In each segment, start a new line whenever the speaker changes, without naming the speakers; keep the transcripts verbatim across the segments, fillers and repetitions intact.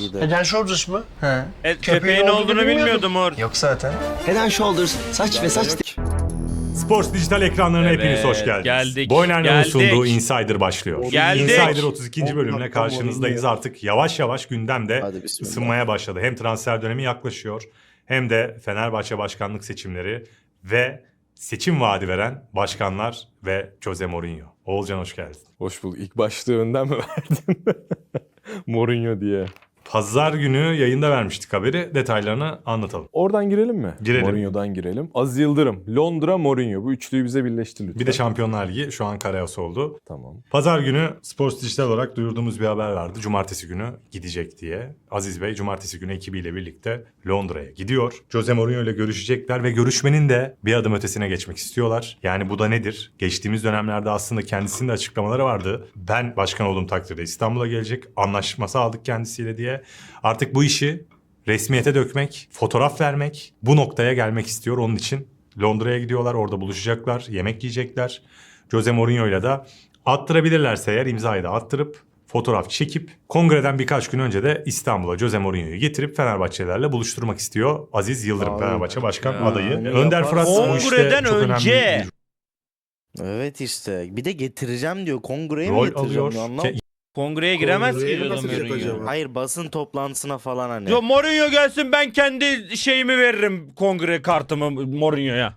de.
Head and Shoulders mı?
He.
E,
Köpeğin
köpeğin
olduğunu
olduğunu
bilmiyordum.
bilmiyordum or.
Yok zaten.
Head and Shoulders saç ve saç...
Sports Dijital ekranlarına
Evet,
hepiniz hoş geldiniz.
geldik,
Boyner'in
geldik.
sunduğu Insider başlıyor.
Geldik.
Insider otuz ikinci bölümle karşınızdayız. Artık yavaş yavaş gündemde
Hadi bismillah.
ısınmaya başladı. Hem transfer dönemi yaklaşıyor hem de Fenerbahçe başkanlık seçimleri ve seçim vaadi veren başkanlar ve Jose Mourinho. Oğulcan hoş geldin.
Hoş bulduk. İlk başlığı önden mi verdin? Mourinho diye.
Pazar günü yayında vermiştik haberi. Detaylarını anlatalım.
Oradan girelim mi?
Girelim.
Mourinho'dan girelim. Aziz Yıldırım, Londra, Mourinho. Bu üçlüyü bize birleştir lütfen.
Bir de Şampiyonlar Ligi şu an karayası oldu.
Tamam.
Pazar günü Sports Dijital olarak duyurduğumuz bir haber vardı. Cumartesi günü gidecek diye. Aziz Bey cumartesi günü ekibiyle birlikte Londra'ya gidiyor. Jose Mourinho ile görüşecekler ve görüşmenin de bir adım ötesine geçmek istiyorlar. Yani bu da nedir? Geçtiğimiz dönemlerde aslında kendisinin de açıklamaları vardı. Ben başkan olduğum takdirde İstanbul'a gelecek. Anlaşması aldık kendisiyle diye. Artık bu işi resmiyete dökmek, fotoğraf vermek, bu noktaya gelmek istiyor. Onun için Londra'ya gidiyorlar, orada buluşacaklar, yemek yiyecekler. Jose Mourinho'yla da attırabilirlerse eğer imzayı da attırıp fotoğraf çekip kongreden birkaç gün önce de İstanbul'a Jose Mourinho'yu getirip Fenerbahçelilerle buluşturmak istiyor Aziz Yıldırım,
Abi.
Fenerbahçe Başkan
Ya,
adayı.
onu
Önder Fırat
yaparsa-
bu işte
Kongreden
çok önemli
önce.
bir
Evet işte. Bir de getireceğim diyor. Kongreye mi
rol
getireceğim
alıyor.
diyor, anlamadım.
Ke-
Kongreye giremez ki
Kongreye
Jose
nasıl
Mourinho.
acaba?
Hayır, basın toplantısına falan hani.
Yo, Mourinho gelsin, ben kendi şeyimi veririm, kongre kartımı Mourinho'ya.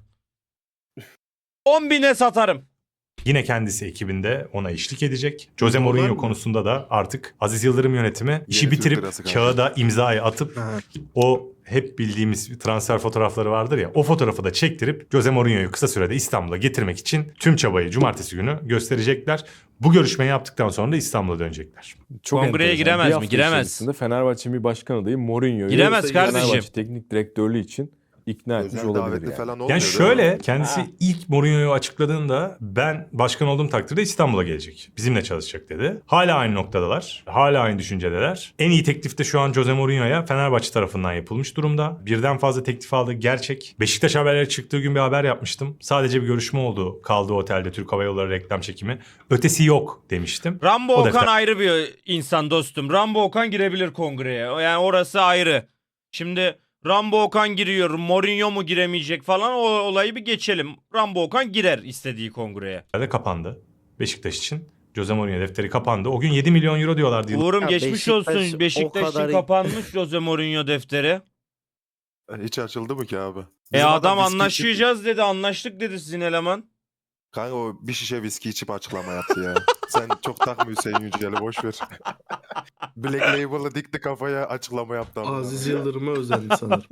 on bine satarım.
Yine kendisi ekibinde ona eşlik edecek. Jose
Var
Mourinho
mı?
konusunda da artık Aziz Yıldırım yönetimi işi
Türk
bitirip
lirası kaldı.
kağıda imzayı atıp
Ha.
o hep bildiğimiz transfer fotoğrafları vardır ya, o fotoğrafı da çektirip Jose Mourinho'yu kısa sürede İstanbul'a getirmek için tüm çabayı cumartesi günü gösterecekler. Bu görüşmeyi yaptıktan sonra da İstanbul'a dönecekler.
Çok
Kongreye
enteresan.
giremez
Bir
mi?
hafta
Giremez.
içerisinde Fenerbahçe'nin bir başkan adayı Mourinho'yu
Giremez kardeşim.
Fenerbahçe teknik direktörlüğü için ikna etmiş
Özel
olabilir
davetli
yani.
falan olmuyor
Yani
değil
şöyle
mi?
kendisi
Ha.
ilk Mourinho'yu açıkladığında ben başkan olduğum takdirde İstanbul'a gelecek. Bizimle çalışacak dedi. Hala aynı noktadalar. Hala aynı düşüncedeler. En iyi teklif de şu an Jose Mourinho'ya Fenerbahçe tarafından yapılmış durumda. Birden fazla teklif aldı, gerçek. Beşiktaş haberleri çıktığı gün bir haber yapmıştım. Sadece bir görüşme oldu kaldığı otelde, Türk Hava Yolları reklam çekimi. Ötesi yok demiştim.
Rambo
O
Okan
defter-
ayrı bir insan dostum. Rambo Okan girebilir kongreye. Yani orası ayrı. Şimdi Rambo Okan giriyor, Mourinho mu giremeyecek falan, o olayı bir geçelim. Rambo Okan girer istediği kongreye.
de kapandı Beşiktaş için. Jose Mourinho defteri kapandı. O gün yedi milyon euro diyorlardı.
Uğur'um
Ya
geçmiş
Beşiktaş
olsun.
o
Beşiktaş için
kadar-
kapanmış Jose Mourinho defteri.
Hiç açıldı mı ki abi?
E
Bizim
adam
viski
anlaşacağız dedi, anlaştık dedi sizin eleman.
içip- Kanka o bir şişe viski içip açıklama yaptı ya. Sen çok takma Hüseyin Yücel'i boş ver. Black Label'ı dikti kafaya, açıklama yaptı ama.
Aziz Yıldırım'a özendi sanırım.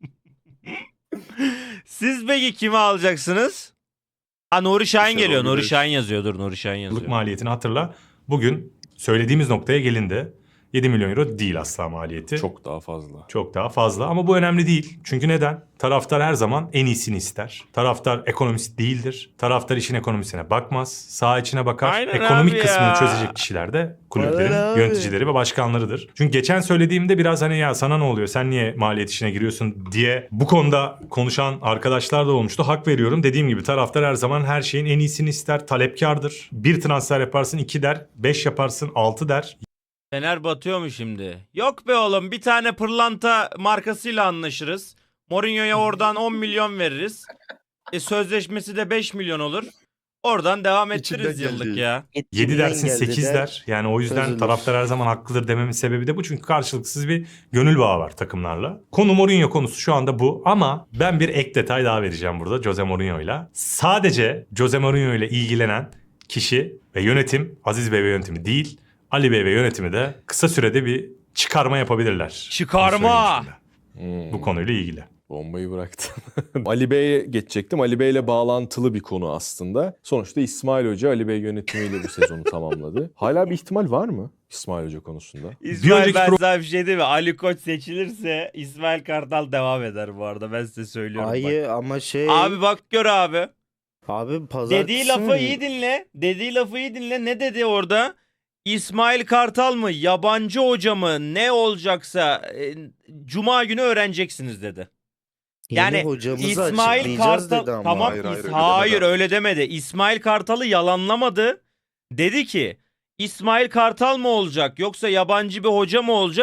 Siz peki kimi alacaksınız? Ha, Nuri Şahin
Şenol
geliyor. Nuri
Güneş.
Şahin yazıyor. Dur, Nuri Şahin
Yıllık
yazıyor.
maliyetini hatırla. Bugün söylediğimiz noktaya gelindi. yedi milyon euro değil asla maliyeti.
Çok daha fazla.
Çok daha fazla ama bu önemli değil. Çünkü neden? Taraftar her zaman en iyisini ister. Taraftar ekonomist değildir. Taraftar işin ekonomisine bakmaz. Saha içine bakar.
Aynen
Ekonomik
abi
kısmını
ya.
çözecek kişiler de kulüplerin
Aynen abi.
yöneticileri ve başkanlarıdır. Çünkü geçen söylediğimde biraz hani ya sana ne oluyor, sen niye maliyet işine giriyorsun diye bu konuda konuşan arkadaşlar da olmuştu. Hak veriyorum. Dediğim gibi taraftar her zaman her şeyin en iyisini ister. Talepkardır. Bir transfer yaparsın iki der. Beş yaparsın altı der.
Fener batıyor mu şimdi? Yok be oğlum, bir tane pırlanta markasıyla anlaşırız. Mourinho'ya oradan on milyon veririz. E, sözleşmesi de beş milyon olur. Oradan devam ettiririz
İçinden
yıllık
geldi.
ya.
yedi dersin
geldi
sekiz
der.
der. Yani o yüzden
çözülür.
taraftar her zaman haklıdır dememin sebebi de bu. Çünkü karşılıksız bir gönül bağı var takımlarla. Konu Mourinho konusu şu anda bu. Ama ben bir ek detay daha vereceğim burada Jose Mourinho'yla. Sadece Jose Mourinho ile ilgilenen kişi ve yönetim, Aziz Bey ve yönetimi değil, Ali Bey ve yönetimi de kısa sürede bir çıkarma yapabilirler.
Çıkarma!
Bunu söyleyeyim şimdi
Hmm.
bu konuyla ilgili.
Bombayı bıraktım. Ali Bey'e geçecektim. Ali Bey'le bağlantılı bir konu aslında. Sonuçta İsmail Hoca Ali Bey yönetimiyle bu sezonu tamamladı. Hala bir ihtimal var mı İsmail Hoca konusunda?
İsmail,
önceki
ben
pro-
sana bir şey diyeyim mi? Ali Koç seçilirse İsmail Kartal devam eder bu arada. Ben size söylüyorum bak.
Hayır ama şey...
Abi bak gör abi.
Abi pazartesi
Dediği lafı
mi?
iyi dinle. Dediği lafı iyi dinle. Ne dedi orada? İsmail Kartal mı, yabancı hoca mı, ne olacaksa e, Cuma günü öğreneceksiniz dedi.
Yeni
Yani
hocamızı
İsmail
açıklayacağız
Kartal
dedi ama.
tamam
Hayır, hayır,
İs-
öyle
hayır
demedi.
öyle demedi. İsmail Kartal'ı yalanlamadı. Dedi ki İsmail Kartal mı olacak yoksa yabancı bir hoca mı olacak?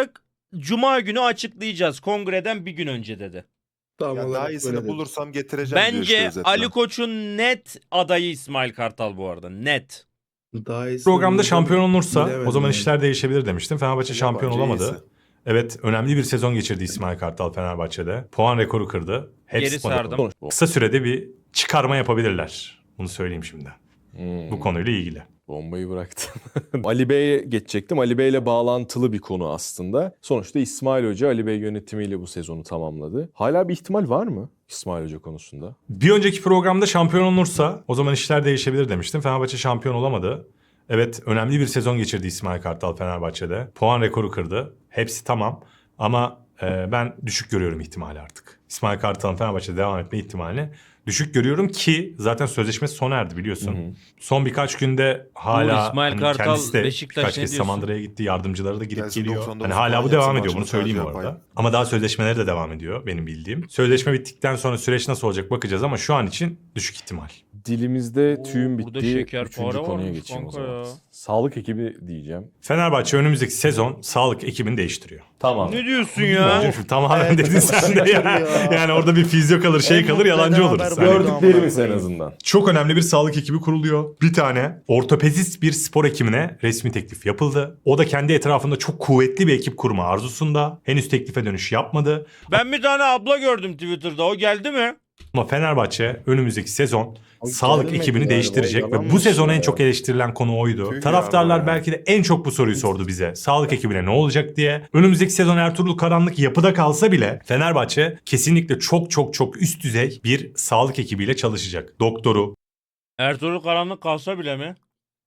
Cuma günü açıklayacağız. Kongreden bir gün önce dedi.
Tam
Ya daha
olarak
iyisini
böyle dedi.
bulursam getireceğim diyor işte
Bence
özetle.
Ali Koç'un net adayı İsmail Kartal bu arada. Net.
Daha iyisini
Programda
bulacağım.
şampiyon olunursa
Bilemedim
o zaman
yani.
işler değişebilir demiştim. Fenerbahçe şampiyon
Bence
olamadı.
iyisi.
Evet, önemli bir sezon geçirdi İsmail Kartal Fenerbahçe'de. Puan rekoru kırdı. Hepsi
Geri
spada
sardım.
kaldı. Kısa sürede bir çıkarma yapabilirler. Bunu söyleyeyim şimdi.
Hmm.
Bu konuyla ilgili.
Bombayı bıraktım. Ali Bey'e geçecektim. Ali Bey'le bağlantılı bir konu aslında. Sonuçta İsmail Hoca Ali Bey yönetimiyle bu sezonu tamamladı. Hala bir ihtimal var mı İsmail Hoca konusunda?
Bir önceki programda şampiyon olunursa o zaman işler değişebilir demiştim. Fenerbahçe şampiyon olamadı. Evet, önemli bir sezon geçirdi İsmail Kartal Fenerbahçe'de. Puan rekoru kırdı. Hepsi tamam ama e, ben düşük görüyorum ihtimali artık. İsmail Kartal'ın Fenerbahçe'de devam etme ihtimalini düşük görüyorum ki zaten sözleşmesi sona erdi biliyorsun.
Hı hı.
Son birkaç günde hala
Bu İsmail
hani
Kartal,
kendisi de
Beşiktaş
birkaç
ne
kez
diyorsun?
Samandıra'ya gitti. Yardımcıları da gidip
Gelsin
geliyor.
doksan dokuz
Hani hala bu
puan
devam
yapsın,
ediyor bunu
maçını
söyleyeyim bu
sadece
arada.
yapayım.
Ama daha sözleşmeleri de devam ediyor benim bildiğim. Sözleşme bittikten sonra süreç nasıl olacak bakacağız ama şu an için düşük ihtimal.
Dilimizde
Oo,
tüyüm
burada
bitti.
şeker
Üçüncü
para
konuya
varmış
geçeyim o
kanka
zaman.
ya.
Sağlık ekibi diyeceğim.
Fenerbahçe önümüzdeki sezon sağlık ekibini değiştiriyor.
Tamam.
Ne diyorsun ya?
Hocam şimdi tamamen
Evet,
dedin sen de ya.
ya.
Yani orada bir fizyo kalır şey
En
kalır
mutlu
yalancı
eden
oluruz.
haber
Hani
buydu.
Gördüklerimiz en azından.
çok önemli bir sağlık ekibi kuruluyor. Bir tane ortopedist bir spor hekimine resmi teklif yapıldı. O da kendi etrafında çok kuvvetli bir ekip kurma arzusunda. Henüz teklife dönüş yapmadı.
Ben bir tane abla gördüm Twitter'da. O geldi mi?
Ama Fenerbahçe önümüzdeki sezon
Abi
sağlık
gelmedi
ekibini
galiba,
değiştirecek ve
yalan
bu
mı
sezon en
ya?
çok eleştirilen konu oydu.
Tüh
Taraftarlar
ya.
belki de en çok bu soruyu sordu bize. Sağlık ekibine ne olacak diye. Önümüzdeki sezon Ertuğrul karanlık yapıda kalsa bile Fenerbahçe kesinlikle çok çok çok üst düzey bir sağlık ekibiyle çalışacak. Doktoru,
Ertuğrul Karanlık kalsa bile mi?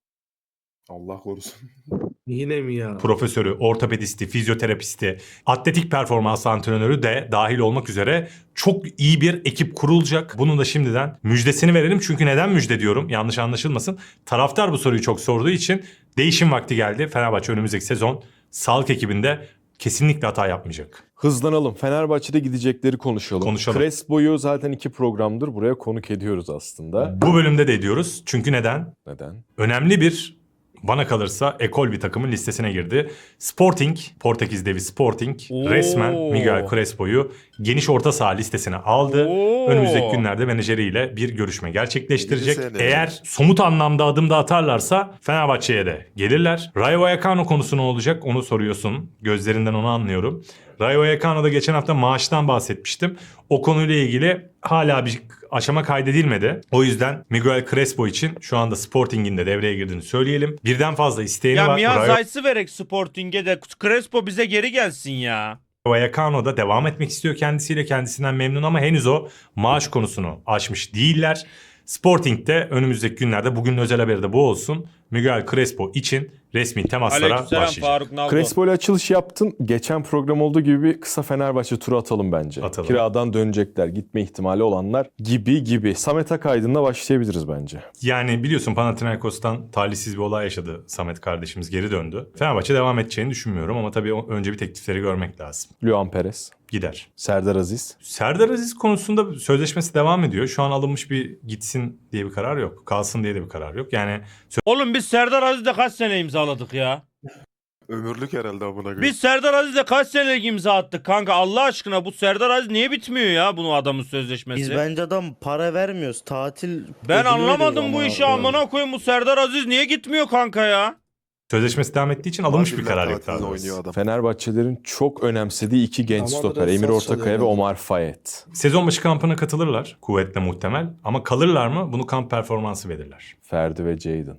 Allah korusun.
Yine mi ya?
profesörü, ortopedisti, fizyoterapisti, atletik performans antrenörü de dahil olmak üzere çok iyi bir ekip kurulacak. Bunun da şimdiden müjdesini verelim. Çünkü neden müjde diyorum? Yanlış anlaşılmasın. Taraftar bu soruyu çok sorduğu için değişim vakti geldi. Fenerbahçe önümüzdeki sezon sağlık ekibinde kesinlikle hata yapmayacak.
Hızlanalım. Fenerbahçe'de gidecekleri konuşalım.
Konuşalım.
Crespo'yu zaten iki programdır buraya konuk ediyoruz aslında.
Bu bölümde de ediyoruz. Çünkü neden?
Neden?
Önemli bir, bana kalırsa ekol bir takımın listesine girdi. Sporting, Portekiz devi Sporting
Oo.
resmen Miguel Crespo'yu geniş orta saha listesine aldı.
Oo.
Önümüzdeki günlerde menajeriyle bir görüşme gerçekleştirecek.
İkinci sene.
Eğer somut anlamda adım da atarlarsa Fenerbahçe'ye de gelirler. Rayo Vallecano konusu ne olacak onu soruyorsun. Gözlerinden onu anlıyorum. Rayo Vallecano'da geçen hafta maaştan bahsetmiştim. O konuyla ilgili hala bir aşama kaydedilmedi. O yüzden Miguel Crespo için şu anda Sporting'in de devreye girdiğini söyleyelim. Birden fazla isteğini
Ya
var.
Mia
Rayo
Zayt'sı verek Sporting'e de Crespo bize geri gelsin ya.
Vallecano'da devam etmek istiyor kendisiyle. Kendisinden memnun ama henüz o maaş konusunu aşmış değiller. Sporting'de önümüzdeki günlerde bugünün özel haberi de bu olsun. Miguel Crespo için resmi temaslara
Aleykümselam
başlayacak.
Faruk Naldo.
Crespo ile açılış yaptın. Geçen program olduğu gibi bir kısa Fenerbahçe turu atalım bence.
Atalım.
Kiradan dönecekler, gitme ihtimali olanlar gibi gibi. Samet Akaydın'la başlayabiliriz bence.
Yani biliyorsun Panathinaikos'tan talihsiz bir olay yaşadı. Samet kardeşimiz geri döndü. Fenerbahçe devam edeceğini düşünmüyorum ama tabii önce bir teklifleri görmek lazım.
Luan Perez,
Gider.
Serdar Aziz.
Serdar Aziz konusunda sözleşmesi devam ediyor. Şu an alınmış bir gitsin diye bir karar yok. Kalsın diye de bir karar yok. Yani
Oğlum biz Serdar Aziz'le kaç sene imzaladık ya?
Ömürlük herhalde amına koyayım.
Biz Serdar Aziz'le kaç senelik imza attık kanka Allah aşkına bu Serdar Aziz niye bitmiyor ya bunu adamın sözleşmesi?
Biz bence adam para vermiyoruz. Tatil
Ben
ödülü
anlamadım
veriyoruz
bu
amına
işi
koyayım.
amına koyayım bu Serdar Aziz niye gitmiyor kanka ya?
sözleşmesi devam ettiği için alınmış bir
Tatiller
karar yok.
tatilinde
daha doğrusu.
oynuyor adam.
Fenerbahçelerin çok önemsediği iki genç
Ama
stoper.
biraz
Emir
saz
Ortakaya ve
çalıyor.
Omar Fayet.
Sezon başı kampına katılırlar. Kuvvetle muhtemel. Ama kalırlar mı? Bunu kamp performansı verirler.
Ferdi ve Jadon.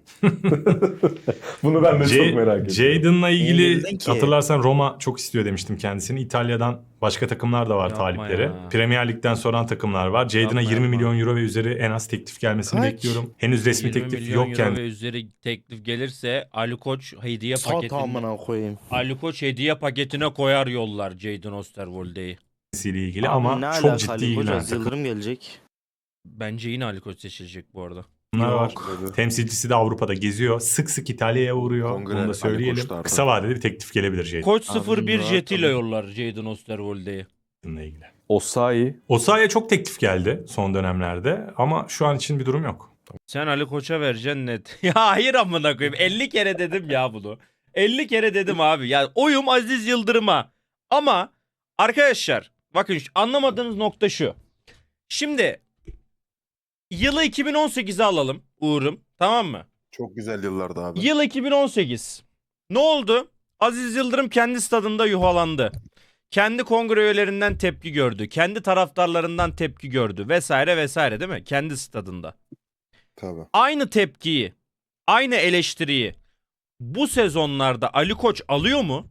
Bunu ben de
J-
çok merak ediyorum.
Jadon'la
Niye
ilgili
bildin ki?
hatırlarsan Roma çok istiyor demiştim kendisini. İtalya'dan başka takımlar da var
Yapma
talipleri.
ya.
Premier Lig'den soran takımlar var. Jadon'a
Yapma,
yirmi
yapma.
milyon euro ve üzeri en az teklif gelmesini
Kaç?
bekliyorum. Henüz resmi
yirmi
teklif
milyon
yokken
euro ve üzeri teklif gelirse Ali Koç hediye
Sat
paketine
amına koyayım.
Ali Koç hediye paketine koyar yollar Jadon Osterwolde'yi.
ile ilgili
Abi
ama
ne
çok
alaka
ciddi
Ali Koç?
ilgilenen
Aziz Yıldırım gelecek.
Bence yine Ali Koç seçilecek bu arada.
takımlar var.
Dedi.
Temsilcisi de Avrupa'da geziyor. Sık sık İtalya'ya uğruyor.
Kongre
Bunu da
Ali
söyleyelim.
Koç'ta artık.
Kısa vadede bir teklif gelebilir Jadon'la
Koç sıfır bir
rahat
jetiyle
tabii.
yollar Jadon Osterwolde'yi.
ilgili.
Osayi.
Osayi'ye çok teklif geldi son dönemlerde ama şu an için bir durum yok.
Sen Ali Koç'a vereceksin net. Ya hayır amına koyayım. elli kere dedim ya bunu. elli kere dedim abi. Ya oyum Aziz Yıldırım'a. Ama arkadaşlar bakın şu- anlamadığınız nokta şu. Şimdi yılı iki bin on sekize alalım Uğur'um, tamam mı?
Çok güzel yıllardı abi.
Yıl iki bin on sekiz. Ne oldu? Aziz Yıldırım kendi stadında yuhalandı. Kendi kongre üyelerinden tepki gördü. Kendi taraftarlarından tepki gördü vesaire vesaire, değil mi? Kendi stadında.
Tabii.
Aynı tepkiyi, aynı eleştiriyi bu sezonlarda Ali Koç alıyor mu?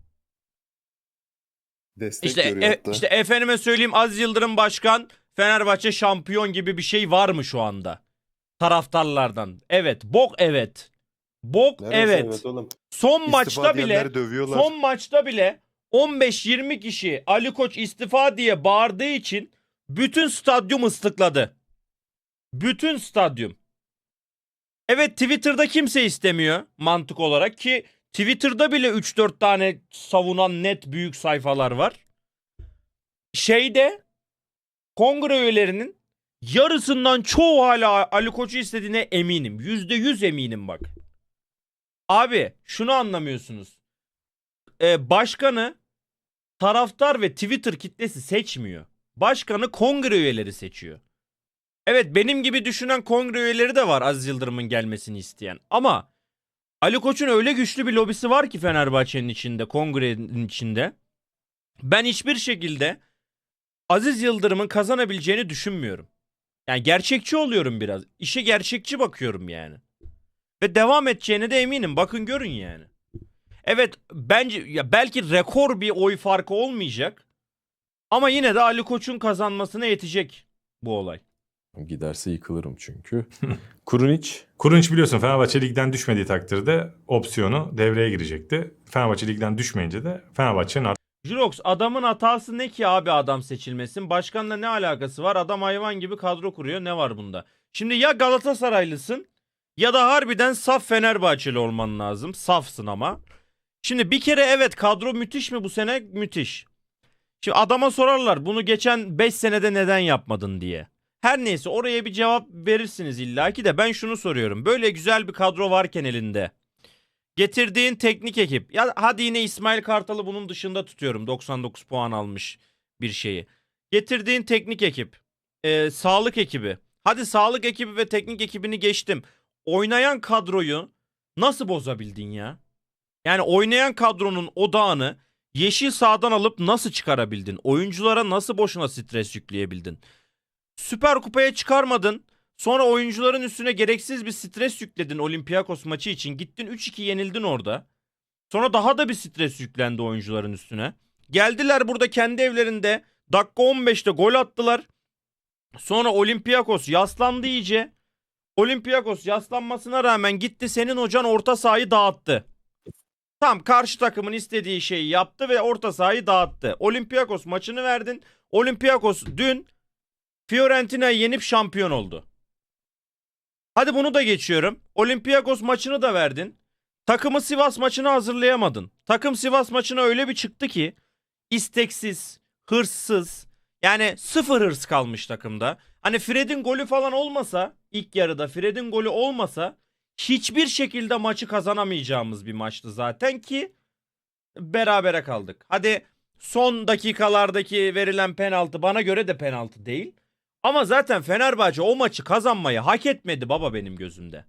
Destek
İşte
görüyor
e-
hatta.
işte efendime söyleyeyim, Aziz Yıldırım başkan, Fenerbahçe şampiyon gibi bir şey var mı şu anda? Taraftarlardan. Evet, bok evet. Bok
Neresi
evet.
oğlum?
Son
İstifa
maçta bile
diyenleri dövüyorlar.
son maçta bile on beş yirmi kişi Ali Koç istifa diye bağırdığı için bütün stadyum ıslıkladı. Bütün stadyum. Evet, Twitter'da kimse istemiyor mantık olarak, ki Twitter'da bile üç dört tane savunan net büyük sayfalar var. Şeyde kongre üyelerinin yarısından çoğu hala Ali Koç'u istediğine eminim. yüzde yüz eminim bak. Abi şunu anlamıyorsunuz. Ee, başkanı taraftar ve Twitter kitlesi seçmiyor. Başkanı kongre üyeleri seçiyor. Evet, benim gibi düşünen kongre üyeleri de var Aziz Yıldırım'ın gelmesini isteyen. Ama Ali Koç'un öyle güçlü bir lobisi var ki Fenerbahçe'nin içinde, kongrenin içinde. Ben hiçbir şekilde Aziz Yıldırım'ın kazanabileceğini düşünmüyorum. Yani gerçekçi oluyorum biraz. İşe gerçekçi bakıyorum yani. Ve devam edeceğine de eminim. Bakın görün yani. Evet, bence ya belki rekor bir oy farkı olmayacak. Ama yine de Ali Koç'un kazanmasına yetecek bu olay.
Giderse yıkılırım çünkü. Kurunic
Kurunç biliyorsun Fenerbahçe ligden düşmediği takdirde opsiyonu devreye girecekti. Fenerbahçe ligden düşmeyince de Fenerbahçe'nin
Jirox, adamın hatası ne ki abi adam seçilmesin? Başkanla ne alakası var? Adam hayvan gibi kadro kuruyor. Ne var bunda? Şimdi ya Galatasaraylısın ya da harbiden saf Fenerbahçeli olman lazım. Safsın ama. Şimdi bir kere evet, kadro müthiş mi bu sene? Müthiş. Şimdi adama sorarlar bunu geçen beş senede neden yapmadın diye. Her neyse, oraya bir cevap verirsiniz illaki de ben şunu soruyorum. Böyle güzel bir kadro varken elinde, getirdiğin teknik ekip, ya hadi yine İsmail Kartal'ı bunun dışında tutuyorum, doksan dokuz puan almış bir şeyi. Getirdiğin teknik ekip, e, sağlık ekibi, hadi sağlık ekibi ve teknik ekibini geçtim. Oynayan kadroyu nasıl bozabildin ya? Yani oynayan kadronun odağını yeşil sahadan alıp nasıl çıkarabildin? Oyunculara nasıl boşuna stres yükleyebildin? Süper Kupa'ya çıkarmadın. Sonra oyuncuların üstüne gereksiz bir stres yükledin Olympiakos maçı için. Gittin üç iki yenildin orada. Sonra daha da bir stres yüklendi oyuncuların üstüne. Geldiler burada kendi evlerinde dakika on beşte gol attılar. Sonra Olympiakos yaslandı iyice. Olympiakos yaslanmasına rağmen gitti senin hocan orta sahayı dağıttı. Tam karşı takımın istediği şeyi yaptı ve orta sahayı dağıttı. Olympiakos maçını verdin. Olympiakos dün Fiorentina'yı yenip şampiyon oldu. Hadi bunu da geçiyorum. Olympiakos maçını da verdin. Takımı Sivas maçına hazırlayamadın. Takım Sivas maçına öyle bir çıktı ki isteksiz, hırssız, yani sıfır hırs kalmış takımda. Hani Fred'in golü falan olmasa, ilk yarıda Fred'in golü olmasa hiçbir şekilde maçı kazanamayacağımız bir maçtı zaten ki berabere kaldık. Hadi son dakikalardaki verilen penaltı bana göre de penaltı değil. Ama zaten Fenerbahçe o maçı kazanmayı hak etmedi baba benim gözümde.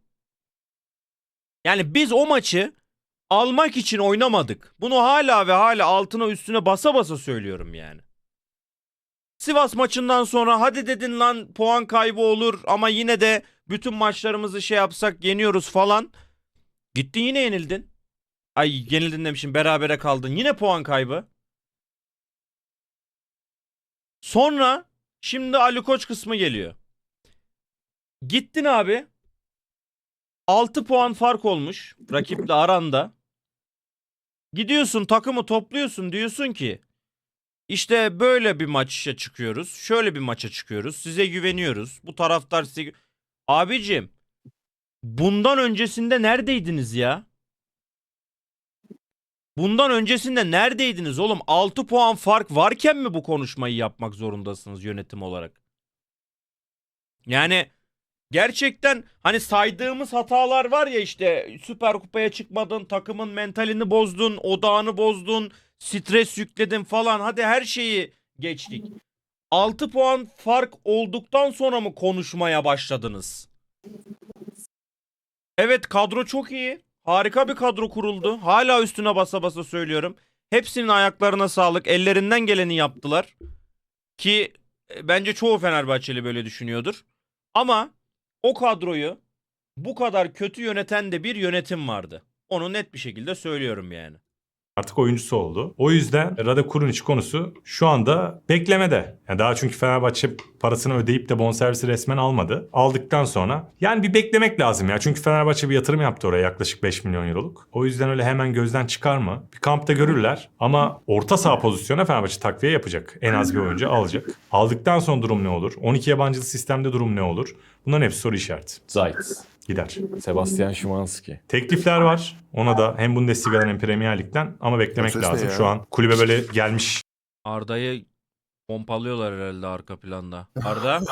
Yani biz o maçı almak için oynamadık. Bunu hala ve hala altına üstüne basa basa söylüyorum yani. Sivas maçından sonra hadi dedin lan puan kaybı olur ama yine de bütün maçlarımızı şey yapsak yeniyoruz falan. Gittin yine yenildin. Ay yenildin demişim, berabere kaldın. Yine puan kaybı. Sonra şimdi Ali Koç kısmı geliyor. Gittin abi. altı puan fark olmuş rakiple aranda. Gidiyorsun takımı topluyorsun, diyorsun ki işte böyle bir maça çıkıyoruz. Şöyle bir maça çıkıyoruz. Size güveniyoruz. Bu taraftar size... Abicim bundan öncesinde neredeydiniz ya? Bundan öncesinde neredeydiniz oğlum? altı puan fark varken mi bu konuşmayı yapmak zorundasınız yönetim olarak? Yani gerçekten hani saydığımız hatalar var ya, işte Süper Kupa'ya çıkmadın, takımın mentalini bozdun, odağını bozdun, stres yükledim falan. Hadi her şeyi geçtik. altı puan fark olduktan sonra mı konuşmaya başladınız? Evet, kadro çok iyi. Harika bir kadro kuruldu. Hala üstüne basa basa söylüyorum. Hepsinin ayaklarına sağlık. Ellerinden geleni yaptılar. Ki e, bence çoğu Fenerbahçeli böyle düşünüyordur. Ama o kadroyu bu kadar kötü yöneten de bir yönetim vardı. Onu net bir şekilde söylüyorum yani.
Artık oyuncusu oldu. O yüzden Rade Kurunic konusu şu anda beklemede. Yani daha çünkü Fenerbahçe parasını ödeyip de bonservisi resmen almadı. Aldıktan sonra yani bir beklemek lazım ya. Çünkü Fenerbahçe bir yatırım yaptı oraya yaklaşık beş milyon euroluk. O yüzden öyle hemen gözden çıkarma. Bir kampta görürler ama orta saha pozisyona Fenerbahçe takviye yapacak. En az bir oyuncu alacak. Aldıktan sonra durum ne olur? on iki yabancılı sistemde durum ne olur? Bunların hepsi soru işareti.
Zayt.
Gider.
Sebastian Szymanski.
Teklifler var. Ona da hem Bundesliga'dan hem Premier Lig'den ama beklemek
Ses ne
lazım.
ya?
Şu an kulübe böyle gelmiş.
Arda'yı pompalıyorlar herhalde arka planda. Arda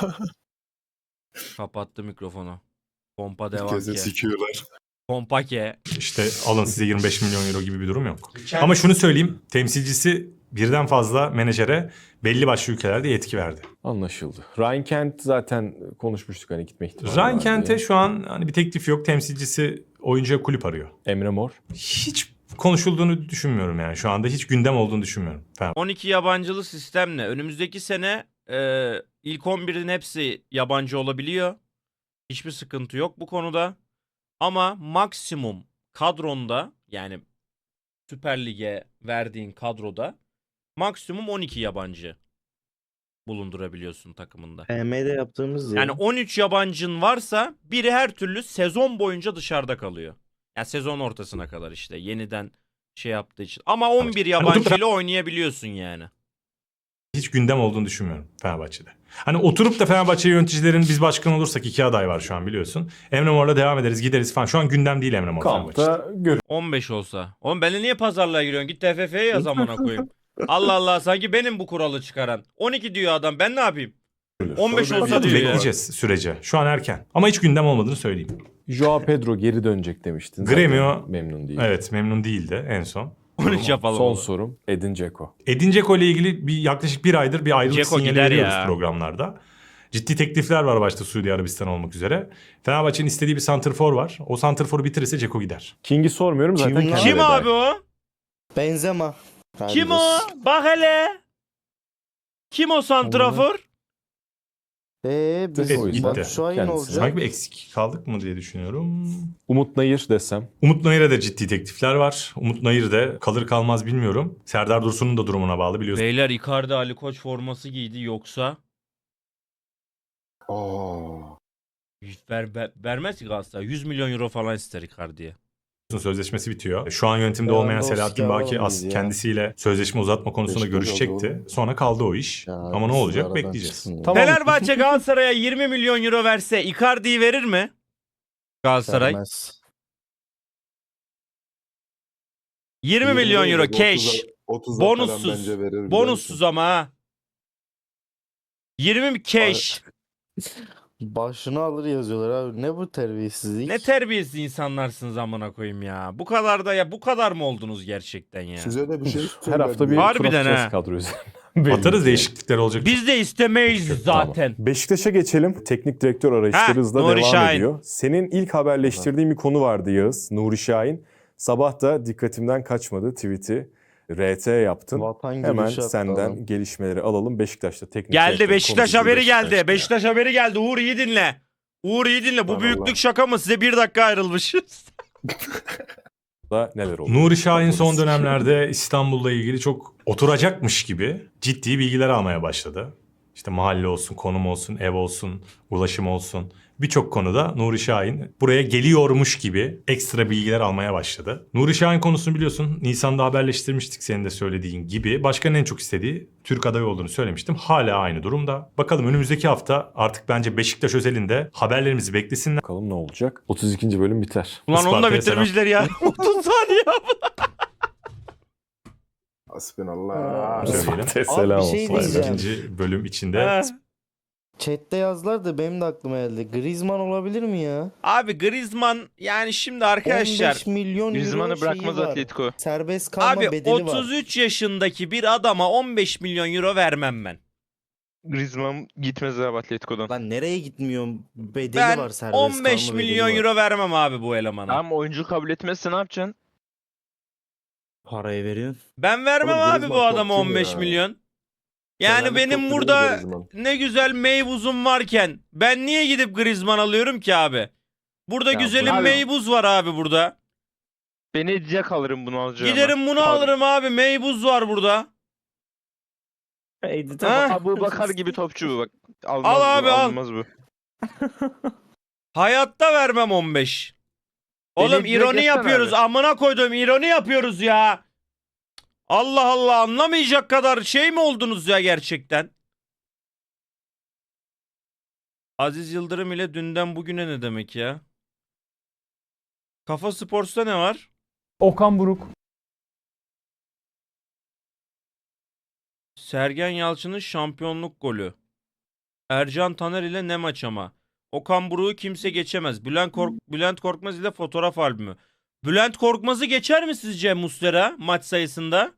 kapattı mikrofonu. Pompa devam
Herkese
ki.
sikiyorlar.
Pompa ke.
İşte alın size yirmi beş milyon euro gibi bir durum yok. Ama şunu söyleyeyim. Temsilcisi birden fazla menajere belli başlı ülkelerde yetki verdi.
Anlaşıldı. Ryan Kent zaten konuşmuştuk hani gitme ihtimali
Ryan
var
Kent'e
diye.
şu an hani bir teklif yok. Temsilcisi oyuncuya kulüp arıyor.
Emre Mor.
Hiç konuşulduğunu düşünmüyorum yani. Şu anda hiç gündem olduğunu düşünmüyorum. Fenerbahçe.
on iki yabancılı sistemle önümüzdeki sene e, ilk on birin hepsi yabancı olabiliyor. Hiçbir sıkıntı yok bu konuda. Ama maksimum kadronda yani Süper Lig'e verdiğin kadroda maksimum on iki yabancı bulundurabiliyorsun takımında.
P M'de yaptığımız
Yani on üç yabancın varsa biri her türlü sezon boyunca dışarıda kalıyor. Yani sezon ortasına kadar işte yeniden şey yaptığı için. Ama on bir yabancıyla oynayabiliyorsun yani.
Hiç gündem olduğunu düşünmüyorum Fenerbahçe'de. Hani oturup da Fenerbahçe yöneticilerin biz başkan olursak iki aday var şu an biliyorsun. Emre Mor'la devam ederiz gideriz falan. Şu an gündem değil Emre Mor Fenerbahçe'de.
Kampta gör.
on beş olsa. Oğlum benimle niye pazarlığa giriyorsun? Git T F F'ye yaz amına koyayım. Allah Allah sanki benim bu kuralı çıkaran. on iki diyor adam ben ne yapayım? on beş
Tabii,
olsa
tabii,
diyor ya.
Bekleyeceğiz sürece. Şu an erken. Ama hiç gündem olmadığını söyleyeyim.
Joao Pedro geri dönecek demiştin. Zaten
Gremio-
memnun değil.
Evet memnun değildi en son.
on üç yapalım.
Son
oğlum.
sorum Edin Dzeko.
Edin Dzeko ile ilgili bir yaklaşık bir aydır bir ayrılık
Dzeko
sinyali
gider
veriyoruz
ya.
programlarda. Ciddi teklifler var başta Suudi Arabistan olmak üzere. Fenerbahçe'nin istediği bir santrfor var. O santrforu bitirirse Dzeko gider.
King'i sormuyorum zaten
Kim lan?
kendi
Kim
veda
abi o?
Benzema.
Kim o? Bak hele. Kim o santrafor?
Eee biz
Evet, gitti.
bak şu an ne
Kendisi.
olacak?
Sanki bir eksik kaldık mı diye düşünüyorum.
Umut Nayır desem.
Umut Nayır'a da ciddi teklifler var. Umut Nayır da kalır kalmaz bilmiyorum. Serdar Dursun'un da durumuna bağlı biliyorsun.
Beyler Icardi Ali Koç forması giydi yoksa
Oo.
ver, ver- vermez ki Galatasaray. yüz milyon euro falan ister Icardi'ye.
Sözleşmesi bitiyor. Şu an yönetimde
Ya,
olmayan
Dost
Selahattin Baki
ya,
as
ya.
kendisiyle sözleşme uzatma konusunda
Beşiktaş
görüşecekti.
oldu.
Sonra kaldı o iş.
Ya,
Ama ne
biz
olacak
aradan
bekleyeceğiz.
çıksın ya.
Tamam.
Fenerbahçe Galatasaray'a yirmi milyon euro verse Icardi'yi verir mi? Galatasaray.
Vermez.
yirmi milyon euro cash.
otuz
Bonussuz. Bonussuz ama ha. yirmi cash.
Başını alır yazıyorlar abi. Ne bu terbiyesizlik?
Ne terbiyesiz insanlarsınız amına koyayım ya. Bu kadar da ya bu kadar mı oldunuz gerçekten ya?
Siz öyle bir şey
Her hafta bir
Harbiden
tur atacağız
ha.
kadro üzerine.
Atarız değişiklikler olacak.
Biz de istemeyiz
Tamam.
zaten.
Beşiktaş'a geçelim. Teknik direktör arayışları
Ha,
hızla
Nuri
devam
Şahin.
ediyor. Senin ilk haberleştirdiğin bir konu vardı Yağız. Nuri Şahin. Sabah da dikkatimden kaçmadı tweet'i. R T yaptın.
Vatan
Hemen
gülüşü attı
senden
adam.
gelişmeleri alalım. Beşiktaş'ta teknik
Geldi
direktör
Beşiktaş
konuşuldu
haberi geldi.
Beşiktaş'ta.
Beşiktaş haberi geldi. Uğur iyi dinle. Uğur iyi dinle. Bu
Allah
büyüklük
Allah.
şaka mı? Size bir dakika ayrılmışız.
Da neler oldu?
Nuri Şahin son dönemlerde İstanbul'la ilgili çok oturacakmış gibi ciddi bilgiler almaya başladı. İşte mahalle olsun, konum olsun, ev olsun, ulaşım olsun. Birçok konuda Nuri Şahin buraya geliyormuş gibi ekstra bilgiler almaya başladı. Nuri Şahin konusunu biliyorsun Nisan'da haberleştirmiştik senin de söylediğin gibi. Başkanın en çok istediği Türk adayı olduğunu söylemiştim. Hala aynı durumda. Bakalım önümüzdeki hafta artık bence Beşiktaş özelinde haberlerimizi beklesinler.
Bakalım ne olacak? otuz ikinci bölüm biter.
Ulan onu da
Isparta'ya
bitirmişler ya. otuz saniye.
Hasbinallah.
Söyleyelim.
Selam
bir şey
olsun.
diyeceğim.
ikinci bölüm içinde
Ha.
Chat'te yazdılar da benim de aklıma geldi. Griezmann olabilir mi ya?
Abi Griezmann yani şimdi arkadaşlar
on beş milyon euro
Griezmann'ı
şeyi
bırakmaz
var.
Atletico.
Serbest kalma
abi
bedeli var.
otuz üç yaşındaki bir adama on beş milyon euro vermem ben.
Griezmann gitmez abi Atletico'dan.
Lan nereye gitmiyorum? Bedeli
Ben
var, serbest
on beş
kalma bedeli
milyon
var.
euro vermem abi bu elemana.
Tamam oyuncu kabul etmezse ne yapacaksın?
Parayı veriyorsun.
Ben vermem
Oğlum
abi
Griezmann
bu adama
topçu mu
on beş
ya?
milyon. Yani
Fenerli
benim
topçu değil
burada
Griezmann.
ne güzel meybuzum varken ben niye gidip Griezmann alıyorum ki abi? Burada
Ya
güzelim
abi-
meybuz var abi burada.
Beni edecek alırım bunu alacağım.
Giderim bunu alırım abi. Meybuz var burada.
Edit'e
Ha?
bak.
Abu Bakar gibi topçu bu bak. Almaz
Al
bu,
abi, al.
almaz bu.
Hayatta vermem on beş. Oğlum
Beni direkt
ironi
geçsene
yapıyoruz.
abi.
Amına koydum ironi yapıyoruz ya. Allah Allah, anlamayacak kadar şey mi oldunuz ya gerçekten? Aziz Yıldırım ile dünden bugüne ne demek ya? Kafa Sports'ta ne var?
Okan Buruk.
Sergen Yalçın'ın şampiyonluk golü. Ercan Taner ile ne maç ama. Okan Buruk'u kimse geçemez. Bülent, Kork Bülent Korkmaz ile fotoğraf albümü. Bülent Korkmaz'ı geçer mi sizce Muslera maç sayısında?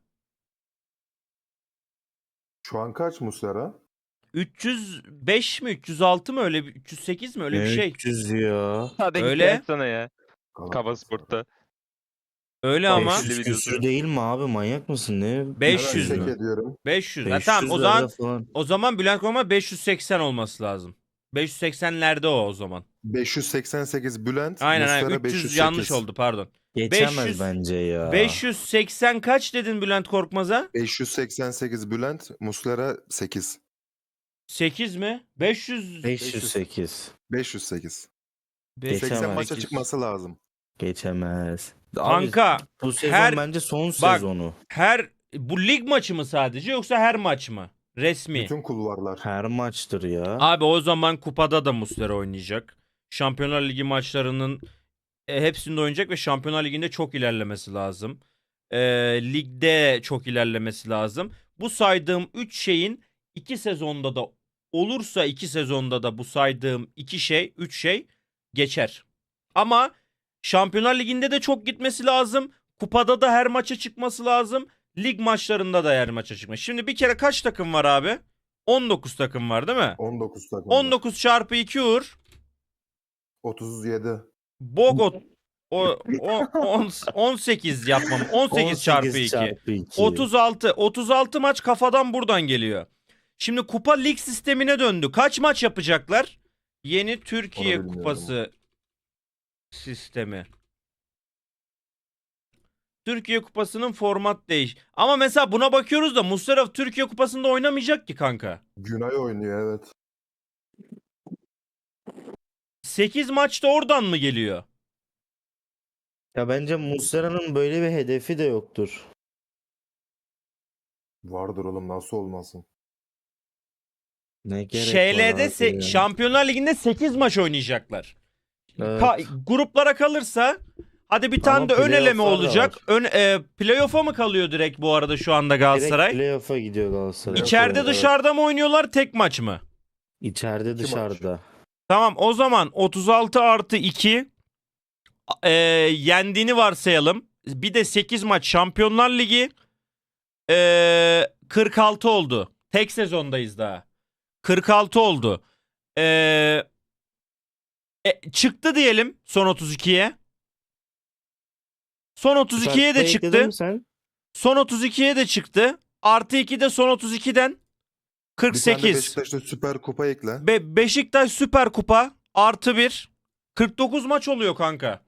Şu an kaç Muslera?
üç yüz beş mi üç yüz altı mı öyle bir üç yüz sekiz mi öyle bir şey.
üç yüz ya.
Hadi git
Öyle.
gel sana ya.
Kalan-
Kafa Spor'ta.
Öyle ama
beş yüz.
beş yüz küsür değil mi abi? Manyak mısın? Ne?
beş yüz
Hemen
mü?
check ediyorum.
beş yüz. Ha,
beş
tamam o
yüzlerde
zaman
falan.
o zaman Bülent Korkmaz beş yüz seksen olması lazım. beş yüz seksenlerde o o zaman.
beş yüz seksen sekiz Bülent.
Aynen
Muslera
aynen üç yüz
beş yüz sekiz.
yanlış oldu pardon.
Geçemez
beş yüz
bence ya.
beş yüz seksen kaç dedin Bülent Korkmaz'a?
beş yüz seksen sekiz Bülent, Muslera sekiz.
sekiz mi? beş yüz
beş yüz sekiz.
beş yüz sekiz.
beş yüz
seksen
Geçemez.
maça
sekiz.
çıkması lazım.
Geçemez. Abi,
Kanka
bu sezon
her-
bence son
bak-
sezonu.
her bu lig maçı mı sadece yoksa her maç mı? Resmi.
Bütün kulvarlar.
Her maçtır ya.
Abi o zaman kupada da Muslera oynayacak. Şampiyonlar Ligi maçlarının e, hepsinde oynayacak ve Şampiyonlar Ligi'nde çok ilerlemesi lazım. E, ligde çok ilerlemesi lazım. Bu saydığım üç şeyin iki sezonda da olursa iki sezonda da bu saydığım iki şey, üç şey geçer. Ama Şampiyonlar Ligi'nde de çok gitmesi lazım. Kupada da her maça çıkması lazım. Lig maçlarında da her maça çıkması. Şimdi bir kere kaç takım var abi? on dokuz takım var değil mi?
on dokuz takım.
on dokuz çarpı iki Uğur.
otuz yedi.
Bogot. O, o on, on sekiz yapmam. on sekiz çarpı iki.
çarpı iki.
otuz altı. otuz altı maç kafadan buradan geliyor. Şimdi kupa lig sistemine döndü. Kaç maç yapacaklar? Yeni Türkiye
Onu bilmiyorum.
Kupası sistemi. Türkiye Kupası'nın format değiş. Ama mesela buna bakıyoruz da Muslera Türkiye Kupası'nda oynamayacak ki kanka.
Günay oynuyor evet.
sekiz maçta oradan mı geliyor?
Ya bence Muslera'nın böyle bir hedefi de yoktur.
Vardır oğlum nasıl olmasın.
Ne gerek var
Şeylerde
abi
se-
ya.
Şampiyonlar Ligi'nde sekiz maç oynayacaklar.
Evet.
Ka- gruplara kalırsa hadi bir tane
Ama
de ön eleme
playoff'lar da
olacak.
var.
Ön e, playoff'a mı kalıyor direkt bu arada şu anda
Direkt
Galatasaray?
playoff'a gidiyor Galatasaray.
İçeride
Evet.
dışarıda mı oynuyorlar, tek maç mı?
İçeride
İki
dışarıda.
Tamam, o zaman otuz altı artı iki e, yendiğini varsayalım. Bir de sekiz maç Şampiyonlar Ligi e, kırk altı oldu. Tek sezondayız daha. kırk altı oldu. E, e, çıktı diyelim son otuz ikiye. Son otuz ikiye de
Süper
çıktı.
ekledin mi sen?
Son otuz ikiye de çıktı. Artı iki de son otuz ikiden
Bir tane
kırk sekiz.
Beşiktaş'ta Süper Kupa ekle.
Be Beşiktaş Süper Kupa artı bir. kırk dokuz maç oluyor kanka.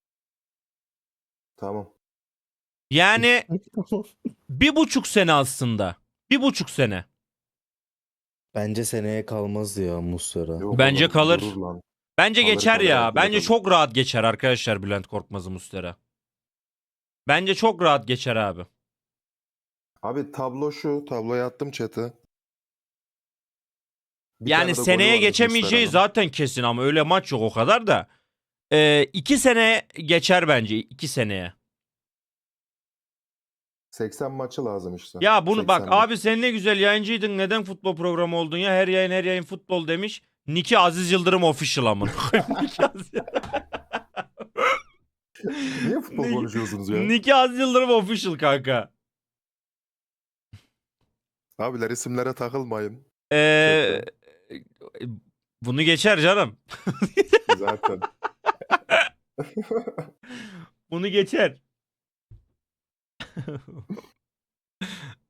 Tamam.
Yani bir buçuk sene aslında. Bir buçuk sene.
Bence seneye kalmaz ya Muslera.
Yok
Bence
oğlum,
kalır.
durur lan.
Bence
Kalır,
geçer
kalır,
ya.
kalır,
Bence
kalır.
çok rahat geçer arkadaşlar Bülent Korkmaz'ı Muslera. Bence çok rahat geçer abi.
Abi tablo şu. Tabloya attım chat'e. Bir
Yani
tane de golü
seneye
vardı
geçemeyeceği
Muslera'nın.
zaten kesin ama öyle maç yok o kadar da. Ee, iki sene geçer bence. iki seneye.
seksen maçı lazım işte.
Ya bunu bak
seksen maç.
abi sen ne güzel yayıncıydın. Neden futbol programı oldun ya? Her yayın her yayın futbol demiş. Niki Aziz Yıldırım official amına koyayım. Niki Aziz
Niye futbol
Niki-
konuşuyorsunuz ya?
Niki Aziz Yıldırım official kanka.
Abiler isimlere takılmayın.
Ee, bunu geçer canım.
Zaten.
Bunu geçer.